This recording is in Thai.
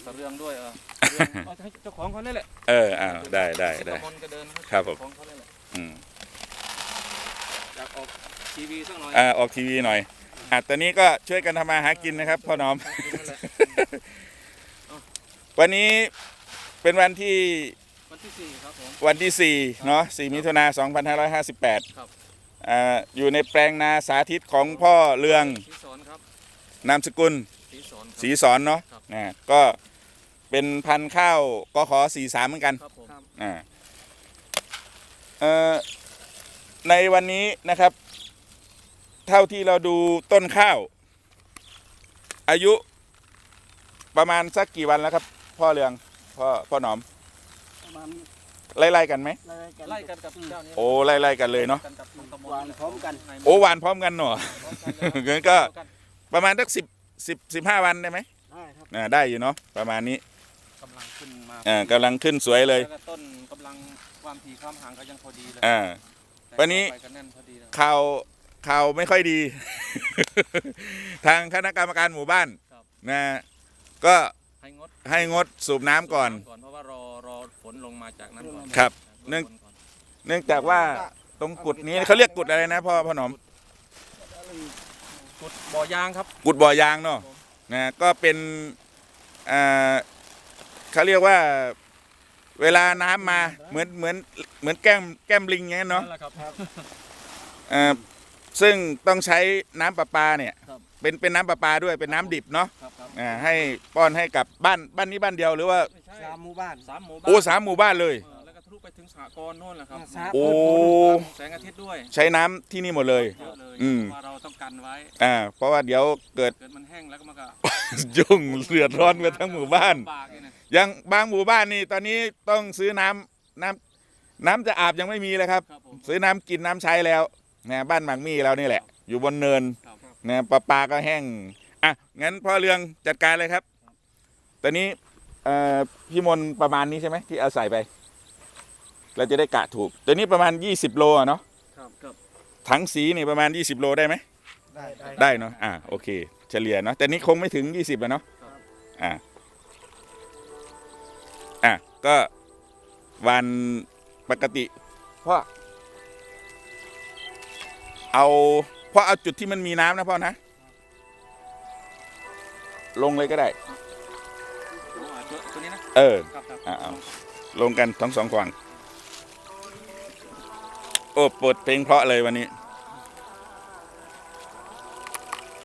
กระเรื่องด้วยให้เจ้าของเขาเนี่ยแหละได้คนก็เดินครับผมของเขาเนี่ยแหละอยากออกทีวีสักหน่อยออกทีวีหน่อยตอนนี้ก็ช่วยกันทำมาหากินนะครับพ่อหนอมวันนี้เป็นวันที่ 4ครับผมวันที่4เนาะ4 มิถุนายน 2558 ครับอยู่ในแปลงนาสาธิตของพ่อเรืองศรีสอนครับนามสกุลศรีสอนเนาะก็เป็นพันธุ์ข้าวกข43เหมือนกันในวันนี้นะครับเท่าที่เราดูต้นข้าวอายุประมาณสักกี่วันแล้วครับพ่อเรืองพ่อหนอมประมาณไล่กันไหมไล่กันกับเจ้านี้โอ้ไล่กันเลยเนาะหวานพร้อมกันโอ้หวานพร้อมกันหน่องั้นก็ประมาณสัก15 วันได้ไหมได้ครับได้อยู่เนาะประมาณนี้กำลังขึ้นมากำลังขึ้นสวยเลยต้นกำลังความถี่ความห่างก็ยังพอดีเลยวันนี้ข่าวไม่ค่อยดี ทางคณะกรรมการหมู่บ้านนะก็ให้งดสูบน้ำก่อนเพราะว่ารอฝนลงมาจากนั้นก่อนครับเนื่องจากว่าตรงกุดนี้เขาเรียกกุดอะไรนะพ่อหนอมกุดบ่อยางครับกุดบ่อยางเนาะนะก็เป็นเขาเรียกว่าเวลาน้ำมาเหมือนแก้มลิงอย่างนั้นเนาะซึ่งต้องใช้น้ำประปาเนี่ยเป็นน้ำประปาด้วยเป็นน้ำดิบเนาะให้ป้อนให้กับบ้านนี้บ้านเดียวหรือว่า 3 หมู่บ้านโอ้3 หมู่บ้านเลยแล้วก็ทะลุไปถึงสหกรณ์โน่นแหละครับโอ้แสงอาทิตย์ด้วยใช้น้ำที่นี่หมดเลยว่าเราต้องกันไว้เพราะว่าเดี๋ยวเกิดมันแห้งแล้วก็มันก็ยุ่งเดือดร้อนกันทั้งหมู่บ้านยังบางหมู่บ้านนี่ตอนนี้ต้องซื้อน้ำจะอาบยังไม่มีเลยครับซื้อน้ำกินน้ำใช้แล้วนะบ้านหมักมี่เรานี่แหละอยู่บนเนินนะปลาก็แห้งงั้นพ่อเรืองจัดการเลยครับตอนนี้พี่มนประมาณนี้ใช่ไหมที่เอาใส่ไปเราจะได้กะถูกตัวนี้ประมาณ20 โลเนาะถังสีนี่ประมาณ20 โลได้ไหมได้เนาะโอเคเฉลี่ยเนาะแต่นี้คงไม่ถึง20แล้วเนาะก็วันปกติพ่อเอาจุดที่มันมีน้ำนะพ่อนะลงเลยก็ได้ตัวนี้นะเอาลงกันทั้ง2 ฝั่งโอ้เปิดเพลงเพราะเลยวันนี้